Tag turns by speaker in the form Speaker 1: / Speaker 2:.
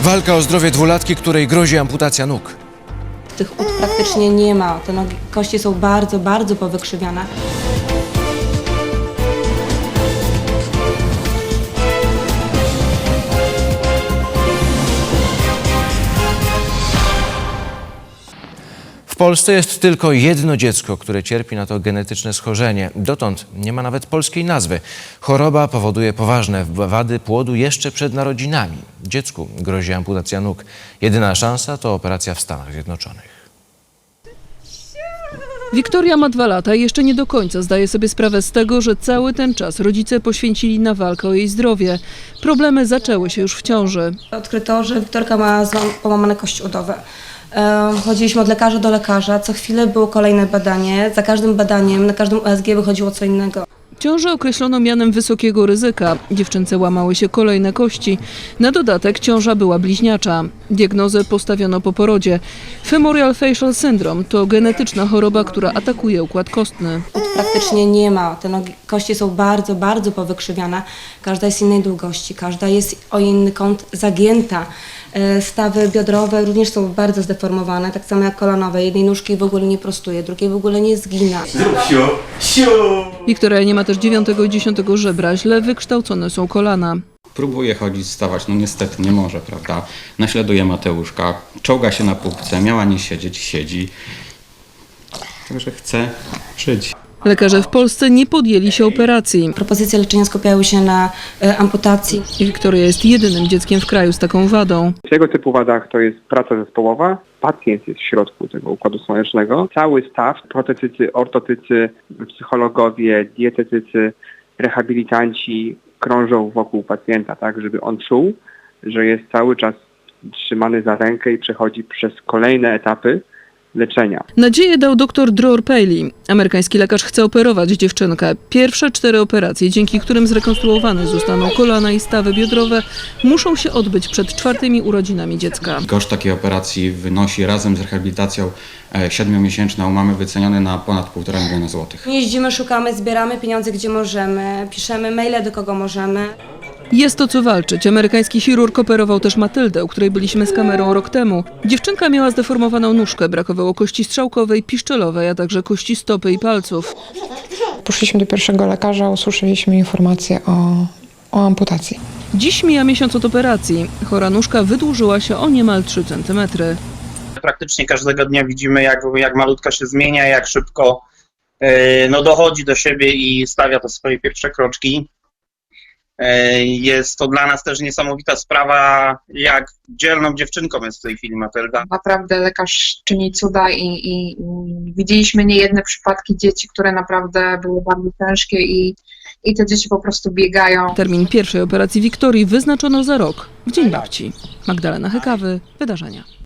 Speaker 1: Walka o zdrowie dwulatki, której grozi amputacja nóg.
Speaker 2: Tych ud praktycznie nie ma. Te nogi, kości są bardzo, bardzo powykrzywiane.
Speaker 1: W Polsce jest tylko jedno dziecko, które cierpi na to genetyczne schorzenie. Dotąd nie ma nawet polskiej nazwy. Choroba powoduje poważne wady płodu jeszcze przed narodzinami. Dziecku grozi amputacja nóg. Jedyna szansa to operacja w Stanach Zjednoczonych.
Speaker 3: Wiktoria ma 2 lata i jeszcze nie do końca zdaje sobie sprawę z tego, że cały ten czas rodzice poświęcili na walkę o jej zdrowie. Problemy zaczęły się już w ciąży.
Speaker 2: Odkryto, że Wiktorka ma połamane kości udowe. Chodziliśmy od lekarza do lekarza, co chwilę było kolejne badanie. Za każdym badaniem, na każdym USG wychodziło co innego.
Speaker 3: Ciążę określono mianem wysokiego ryzyka. Dziewczynce łamały się kolejne kości. Na dodatek ciąża była bliźniacza. Diagnozę postawiono po porodzie. Femorial facial syndrome to genetyczna choroba, która atakuje układ kostny.
Speaker 2: Ud praktycznie nie ma. Te nogi, kości są bardzo, bardzo powykrzywiane. Każda jest innej długości, każda jest o inny kąt zagięta. Stawy biodrowe również są bardzo zdeformowane, tak samo jak kolanowe. Jednej nóżki w ogóle nie prostuje, drugiej w ogóle nie zgina.
Speaker 3: Wiktoria nie ma też 9. i 10. żebra, źle wykształcone są kolana.
Speaker 4: Próbuje chodzić, wstawać, no niestety nie może, prawda? Naśladuje Mateuszka, czołga się na półce, miała nie siedzieć, siedzi. Także chce żyć.
Speaker 3: Lekarze w Polsce nie podjęli się operacji.
Speaker 2: Propozycje leczenia skupiały się na amputacji.
Speaker 3: Wiktoria jest jedynym dzieckiem w kraju z taką wadą.
Speaker 5: W tego typu wadach to jest praca zespołowa. Pacjent jest w środku tego układu słonecznego. Cały staw, protetycy, ortotycy, psychologowie, dietetycy, rehabilitanci krążą wokół pacjenta, tak, żeby on czuł, że jest cały czas trzymany za rękę i przechodzi przez kolejne etapy leczenia.
Speaker 3: Nadzieję dał dr Dror Paley. Amerykański lekarz chce operować dziewczynkę. Pierwsze 4 operacje, dzięki którym zrekonstruowane zostaną kolana i stawy biodrowe, muszą się odbyć przed 4. urodzinami dziecka.
Speaker 4: Koszt takiej operacji wynosi razem z rehabilitacją 7-miesięczną mamy wyceniony na ponad 1,5 miliona złotych.
Speaker 2: Jeździmy, szukamy, zbieramy pieniądze gdzie możemy, piszemy maile do kogo możemy.
Speaker 3: Jest o co walczyć. Amerykański chirurg operował też Matyldę, u której byliśmy z kamerą rok temu. Dziewczynka miała zdeformowaną nóżkę, brakowało kości strzałkowej, piszczelowej, a także kości stopy i palców.
Speaker 6: Poszliśmy do pierwszego lekarza, usłyszeliśmy informację o amputacji.
Speaker 3: Dziś mija miesiąc od operacji. Chora nóżka wydłużyła się o niemal 3 cm.
Speaker 7: Praktycznie każdego dnia widzimy, jak malutka się zmienia, jak szybko dochodzi do siebie i stawia te swoje pierwsze kroczki. Jest to dla nas też niesamowita sprawa, jak dzielną dziewczynką jest w tej chwili Matylda.
Speaker 8: Naprawdę lekarz czyni cuda i widzieliśmy niejedne przypadki dzieci, które naprawdę były bardzo ciężkie i te dzieci po prostu biegają.
Speaker 3: Termin pierwszej operacji Wiktorii wyznaczono za rok, w Dzień Babci. Magdalena Hykawy, Wydarzenia.